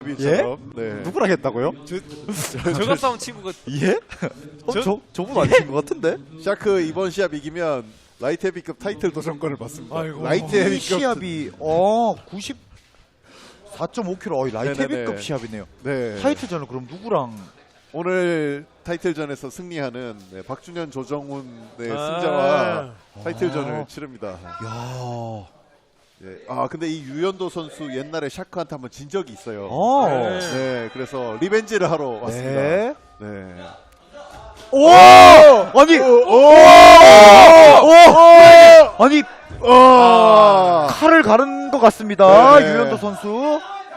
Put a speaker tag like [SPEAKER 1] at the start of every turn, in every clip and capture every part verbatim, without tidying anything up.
[SPEAKER 1] 예?
[SPEAKER 2] 네.
[SPEAKER 1] 누구랑 했다고요?
[SPEAKER 3] 저갑 싸움 친구가
[SPEAKER 1] 예? 어, 저, 저분 아닌 것 같은데?
[SPEAKER 2] 샤크 이번 시합 이기면 라이트 헤비급 타이틀 도전권을 받습니다.
[SPEAKER 3] 아이고.
[SPEAKER 2] 라이트
[SPEAKER 1] 이
[SPEAKER 2] 헤비급
[SPEAKER 1] 시합이 어 구십사 점 오 킬로그램. 어이, 라이트
[SPEAKER 2] 네네네.
[SPEAKER 1] 헤비급 시합이네요.
[SPEAKER 2] 네.
[SPEAKER 1] 타이틀전은 그럼 누구랑?
[SPEAKER 2] 오늘 타이틀전에서 승리하는 네, 박준현 조정훈 네,
[SPEAKER 3] 아.
[SPEAKER 2] 승자와 타이틀전을
[SPEAKER 1] 아.
[SPEAKER 2] 치릅니다.
[SPEAKER 1] 야.
[SPEAKER 2] 예. 아 근데 이 유현도 선수 옛날에 샤크한테 한번 진 적이 있어요.
[SPEAKER 1] 어.
[SPEAKER 3] 네.
[SPEAKER 2] 네, 그래서 리벤지를 하러 왔습니다.
[SPEAKER 1] 네.
[SPEAKER 2] 네.
[SPEAKER 1] 오! 아니, 오! 오! 아니,
[SPEAKER 2] 아,
[SPEAKER 1] 칼을 가른 것 같습니다.
[SPEAKER 2] 네네.
[SPEAKER 1] 유현도 선수.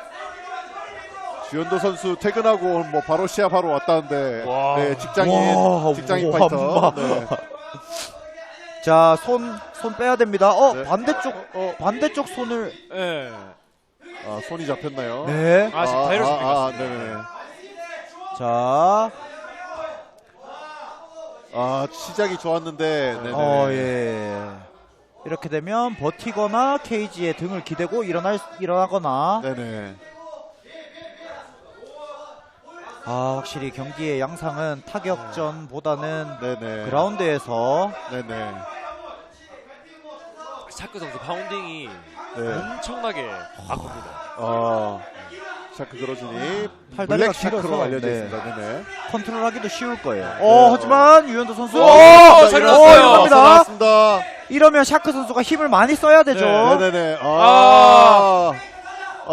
[SPEAKER 2] 유현도 선수 퇴근하고 뭐 바로 시합하러 왔다는데
[SPEAKER 3] 와.
[SPEAKER 2] 네, 직장인
[SPEAKER 1] 와,
[SPEAKER 2] 직장인
[SPEAKER 1] 와,
[SPEAKER 2] 파이터.
[SPEAKER 1] 와.
[SPEAKER 2] 네.
[SPEAKER 1] 자, 손, 손 빼야 됩니다. 어,
[SPEAKER 2] 네.
[SPEAKER 1] 반대쪽, 어, 반대쪽 손을.
[SPEAKER 3] 예.
[SPEAKER 2] 아, 손이 잡혔나요?
[SPEAKER 1] 네.
[SPEAKER 3] 아 지금 다이러스
[SPEAKER 2] 아, 아, 네네.
[SPEAKER 1] 자,
[SPEAKER 2] 아, 시작이 좋았는데. 네네.
[SPEAKER 1] 어, 예. 이렇게 되면 버티거나 케이지에 등을 기대고 일어날, 일어나거나.
[SPEAKER 2] 네네.
[SPEAKER 1] 아, 확실히 경기의 양상은 타격전보다는
[SPEAKER 2] 네네.
[SPEAKER 1] 그라운드에서.
[SPEAKER 2] 네네.
[SPEAKER 3] 샤크 선수 파운딩이
[SPEAKER 2] 네.
[SPEAKER 3] 엄청나게 아픕니다.
[SPEAKER 2] 어, 샤크 그러지니
[SPEAKER 1] 팔다리가
[SPEAKER 2] 블랙 샤크로
[SPEAKER 1] 길어서,
[SPEAKER 2] 알려져
[SPEAKER 1] 네.
[SPEAKER 2] 있습니다. 네네.
[SPEAKER 1] 컨트롤하기도 쉬울 거예요.
[SPEAKER 2] 네.
[SPEAKER 1] 어, 하지만 유현도 선수.
[SPEAKER 3] 오,
[SPEAKER 1] 어,
[SPEAKER 3] 잘
[SPEAKER 1] 어,
[SPEAKER 3] 일어났어요.
[SPEAKER 1] 일어납니다.
[SPEAKER 2] 나왔습니다.
[SPEAKER 1] 이러면 샤크 선수가 힘을 많이 써야 되죠.
[SPEAKER 3] 네,
[SPEAKER 2] 네네네.
[SPEAKER 3] 아.
[SPEAKER 2] 아.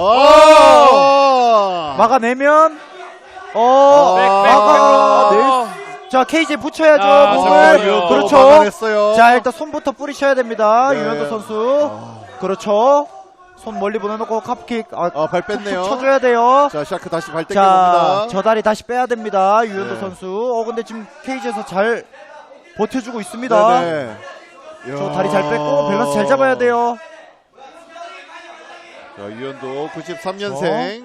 [SPEAKER 2] 아.
[SPEAKER 1] 막아내면 어,
[SPEAKER 2] 아.
[SPEAKER 3] 백, 백,
[SPEAKER 1] 막아
[SPEAKER 3] 백으로.
[SPEAKER 1] 낼- 자, 케이지에 붙여야죠.
[SPEAKER 3] 아,
[SPEAKER 1] 몸을.
[SPEAKER 3] 잠깐만요.
[SPEAKER 1] 그렇죠.
[SPEAKER 2] 막아냈어요.
[SPEAKER 1] 자, 일단 손부터 뿌리셔야 됩니다.
[SPEAKER 2] 네.
[SPEAKER 1] 유현도 선수.
[SPEAKER 2] 아.
[SPEAKER 1] 그렇죠. 손 멀리 보내놓고 캅킥. 아,
[SPEAKER 2] 아, 발 뺐네요.
[SPEAKER 1] 툭툭 쳐줘야 돼요.
[SPEAKER 2] 자, 샤크 다시 발
[SPEAKER 1] 자,
[SPEAKER 2] 땡겨봅니다.
[SPEAKER 1] 저 다리 다시 빼야 됩니다. 유현도
[SPEAKER 2] 네.
[SPEAKER 1] 선수. 어, 근데 지금 케이지에서 잘 버텨주고 있습니다.
[SPEAKER 2] 네네.
[SPEAKER 1] 저
[SPEAKER 2] 이야.
[SPEAKER 1] 다리 잘 뺐고 밸런스 잘 잡아야 돼요.
[SPEAKER 2] 자, 유현도 구십삼 년생.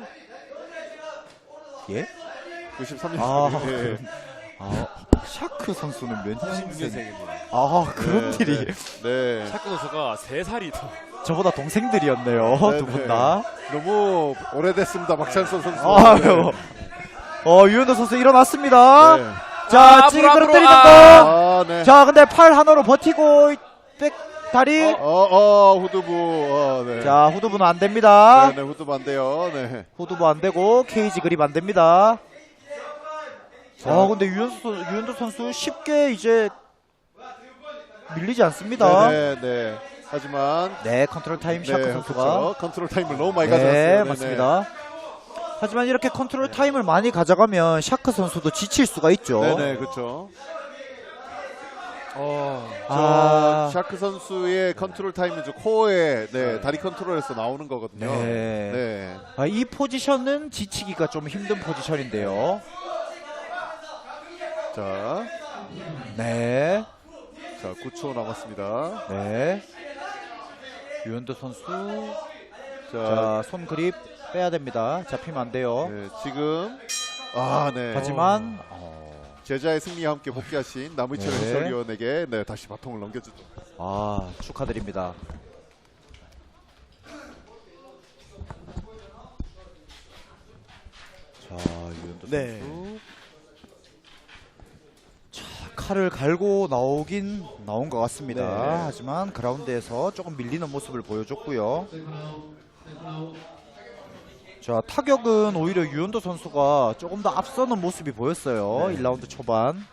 [SPEAKER 1] 예?
[SPEAKER 2] 구십삼 년생.
[SPEAKER 1] 아,
[SPEAKER 2] 예.
[SPEAKER 1] 아, 샤크 선수는 몇
[SPEAKER 3] 구십육
[SPEAKER 1] 년생?
[SPEAKER 3] 년생입니다.
[SPEAKER 1] 아, 그런
[SPEAKER 2] 네,
[SPEAKER 1] 일이.
[SPEAKER 2] 네. 네.
[SPEAKER 3] 샤크 선수가 세 살이 더.
[SPEAKER 1] 저보다 동생들이었네요.
[SPEAKER 2] 네,
[SPEAKER 1] 두 분
[SPEAKER 2] 네.
[SPEAKER 1] 다.
[SPEAKER 2] 너무 오래됐습니다. 박찬선 선수.
[SPEAKER 1] 아유. 어, 유현도 선수 일어났습니다.
[SPEAKER 2] 네.
[SPEAKER 1] 자,
[SPEAKER 3] 아,
[SPEAKER 1] 찌개
[SPEAKER 3] 앞으로,
[SPEAKER 1] 끌어뜨리는
[SPEAKER 3] 앞으로.
[SPEAKER 1] 거.
[SPEAKER 2] 아, 네.
[SPEAKER 1] 자, 근데 팔 하나로 버티고, 백, 다리.
[SPEAKER 2] 어, 어, 후두부. 어, 네.
[SPEAKER 1] 자, 후두부는 안 됩니다.
[SPEAKER 2] 네, 네, 후두부 안 돼요. 네.
[SPEAKER 1] 후두부 안 되고, 케이지 그립 안 됩니다. 아, 근데 유현도, 선- 유현도 선수 쉽게 이제 밀리지 않습니다.
[SPEAKER 2] 네, 네, 네. 하지만
[SPEAKER 1] 네, 컨트롤 타임 샤크
[SPEAKER 2] 네,
[SPEAKER 1] 선수가.
[SPEAKER 2] 그렇죠. 컨트롤 타임을 너무 많이
[SPEAKER 1] 네,
[SPEAKER 2] 가져갔어요.
[SPEAKER 1] 맞습니다. 하지만 이렇게 컨트롤 타임을 많이 가져가면 샤크 선수도 지칠 수가 있죠.
[SPEAKER 2] 네, 네, 그렇죠.
[SPEAKER 3] 어.
[SPEAKER 1] 아,
[SPEAKER 2] 저 샤크 선수의 컨트롤 타임은 저 코어에 네, 다리 컨트롤에서 나오는 거거든요.
[SPEAKER 1] 네.
[SPEAKER 2] 네.
[SPEAKER 1] 아, 이 포지션은 지치기가 좀 힘든 포지션인데요.
[SPEAKER 2] 자,
[SPEAKER 1] 네,
[SPEAKER 2] 자, 구 초 남았습니다.
[SPEAKER 1] 네. 유현도 선수.
[SPEAKER 2] 자,
[SPEAKER 1] 자, 손 그립 빼야 됩니다. 잡히면 안 돼요.
[SPEAKER 2] 네, 지금 아, 네.
[SPEAKER 1] 하지만
[SPEAKER 2] 제자의 승리와 함께 복귀하신 남의철
[SPEAKER 1] 네.
[SPEAKER 2] 해설위원에게 네, 다시 바통을 넘겨주죠.
[SPEAKER 1] 아, 축하드립니다. 자, 유현도
[SPEAKER 3] 네.
[SPEAKER 1] 선수. 자, 칼을 갈고 나오긴 나온 것 같습니다.
[SPEAKER 2] 네.
[SPEAKER 1] 하지만 그라운드에서 조금 밀리는 모습을 보여줬고요. 자, 타격은 오히려 유현도 선수가 조금 더 앞서는 모습이 보였어요.
[SPEAKER 2] 네.
[SPEAKER 1] 일 라운드 초반.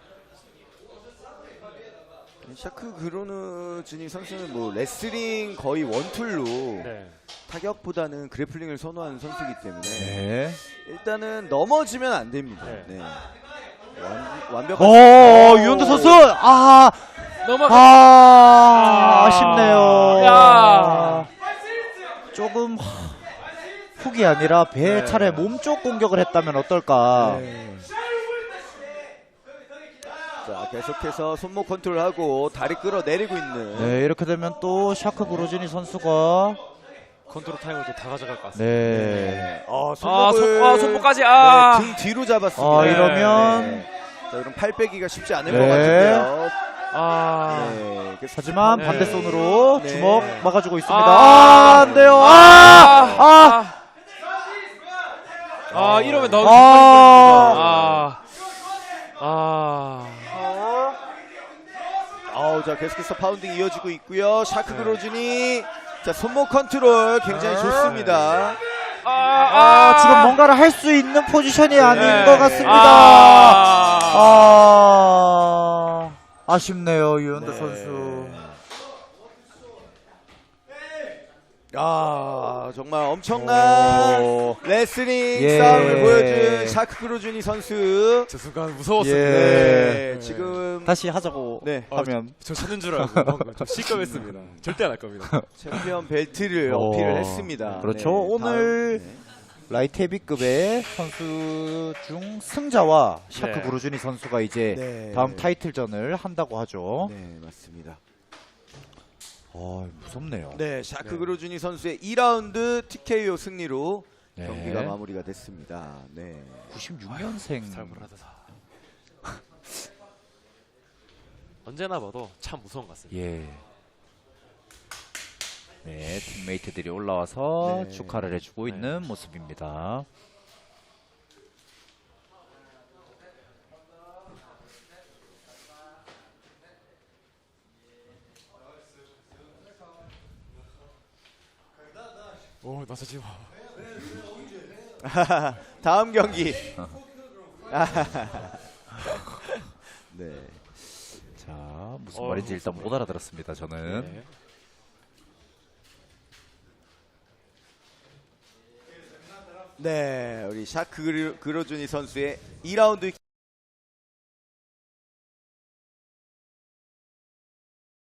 [SPEAKER 4] 샤크 그로누즈니 선수는 뭐 레슬링 거의 원툴로
[SPEAKER 3] 네.
[SPEAKER 4] 타격보다는 그래플링을 선호하는 선수이기 때문에
[SPEAKER 1] 네.
[SPEAKER 4] 일단은 넘어지면 안 됩니다.
[SPEAKER 3] 네.
[SPEAKER 4] 네. 완, 완벽한
[SPEAKER 1] 오, 유현도 선수! 아,
[SPEAKER 3] 넘어가.
[SPEAKER 1] 아, 아쉽네요.
[SPEAKER 3] 야.
[SPEAKER 1] 조금 훅이 아니라 배
[SPEAKER 3] 네.
[SPEAKER 1] 차례 몸쪽 공격을 했다면 어떨까.
[SPEAKER 4] 네. 자, 계속해서 손목 컨트롤하고 다리 끌어내리고 있는
[SPEAKER 1] 네, 이렇게 되면 또 샤크 그로즈니 선수가
[SPEAKER 3] 컨트롤 타임을 또 다 가져갈 것 같습니다.
[SPEAKER 1] 네.
[SPEAKER 4] 어,
[SPEAKER 3] 아,
[SPEAKER 4] 손목을
[SPEAKER 3] 손, 아, 손목까지. 아.
[SPEAKER 4] 네, 등 뒤로 잡았습니다.
[SPEAKER 1] 아, 이러면
[SPEAKER 4] 네. 자, 그럼 팔 빼기가 쉽지 않을
[SPEAKER 1] 네.
[SPEAKER 4] 것 같은데요.
[SPEAKER 3] 아.
[SPEAKER 4] 네. 계속
[SPEAKER 1] 하지만
[SPEAKER 3] 네.
[SPEAKER 1] 반대 손으로
[SPEAKER 4] 네.
[SPEAKER 1] 주먹 막아주고 있습니다.
[SPEAKER 3] 아.
[SPEAKER 1] 아, 안 돼요. 아, 아,
[SPEAKER 3] 아, 이러면 너무
[SPEAKER 1] 아.
[SPEAKER 3] 아. 아.
[SPEAKER 4] 아우, 자, 계속해서 파운딩 이어지고 있고요. 샤크 그로준이 자, 손목 컨트롤 굉장히 좋습니다.
[SPEAKER 3] 아,
[SPEAKER 1] 아, 지금 뭔가를 할 수 있는 포지션이 아닌
[SPEAKER 3] 네.
[SPEAKER 1] 것 같습니다.
[SPEAKER 3] 아.
[SPEAKER 1] 아, 아쉽네요, 유현도
[SPEAKER 4] 네.
[SPEAKER 1] 선수.
[SPEAKER 4] 아, 정말 엄청난
[SPEAKER 1] 오.
[SPEAKER 4] 레슬링
[SPEAKER 1] 예.
[SPEAKER 4] 싸움을 보여준 샤크 그로준이 선수.
[SPEAKER 3] 저 순간 무서웠어요.
[SPEAKER 1] 예.
[SPEAKER 4] 네, 지금
[SPEAKER 1] 다시 하자고
[SPEAKER 4] 네.
[SPEAKER 1] 하면.
[SPEAKER 3] 저 찾는 줄 알고 방금 좀 시끄럽습니다. 절대 안 할 겁니다.
[SPEAKER 4] 챔피언 벨트를
[SPEAKER 1] 어,
[SPEAKER 4] 어필을 했습니다.
[SPEAKER 1] 그렇죠.
[SPEAKER 4] 네,
[SPEAKER 1] 오늘
[SPEAKER 4] 다음, 네.
[SPEAKER 1] 라이트 헤비급의 선수 중 승자와 샤크
[SPEAKER 3] 네.
[SPEAKER 1] 구루주니 선수가 이제
[SPEAKER 4] 네.
[SPEAKER 1] 다음 타이틀전을 한다고 하죠.
[SPEAKER 4] 네, 맞습니다.
[SPEAKER 1] 아, 무섭네요.
[SPEAKER 4] 네, 샤크
[SPEAKER 3] 네.
[SPEAKER 4] 그로준이 선수의 이 라운드 티케이오 승리로
[SPEAKER 1] 네.
[SPEAKER 4] 경기가 마무리가 됐습니다. 네.
[SPEAKER 1] 구십육 년생.
[SPEAKER 3] 살벌하다. 언제나 봐도 참 무서운 것 같습니다.
[SPEAKER 1] 예. 네, 팀메이트들이 올라와서
[SPEAKER 4] 네.
[SPEAKER 1] 축하를 해주고
[SPEAKER 3] 네.
[SPEAKER 1] 있는 모습입니다.
[SPEAKER 3] 오, 나서지 마.
[SPEAKER 4] 다음 경기. 네.
[SPEAKER 1] 자, 무슨
[SPEAKER 3] 어,
[SPEAKER 1] 말인지 일단 못 알아들었습니다, 저는.
[SPEAKER 3] 네.
[SPEAKER 4] 네, 우리 샤크 그로- 그로준이 선수의 이 라운드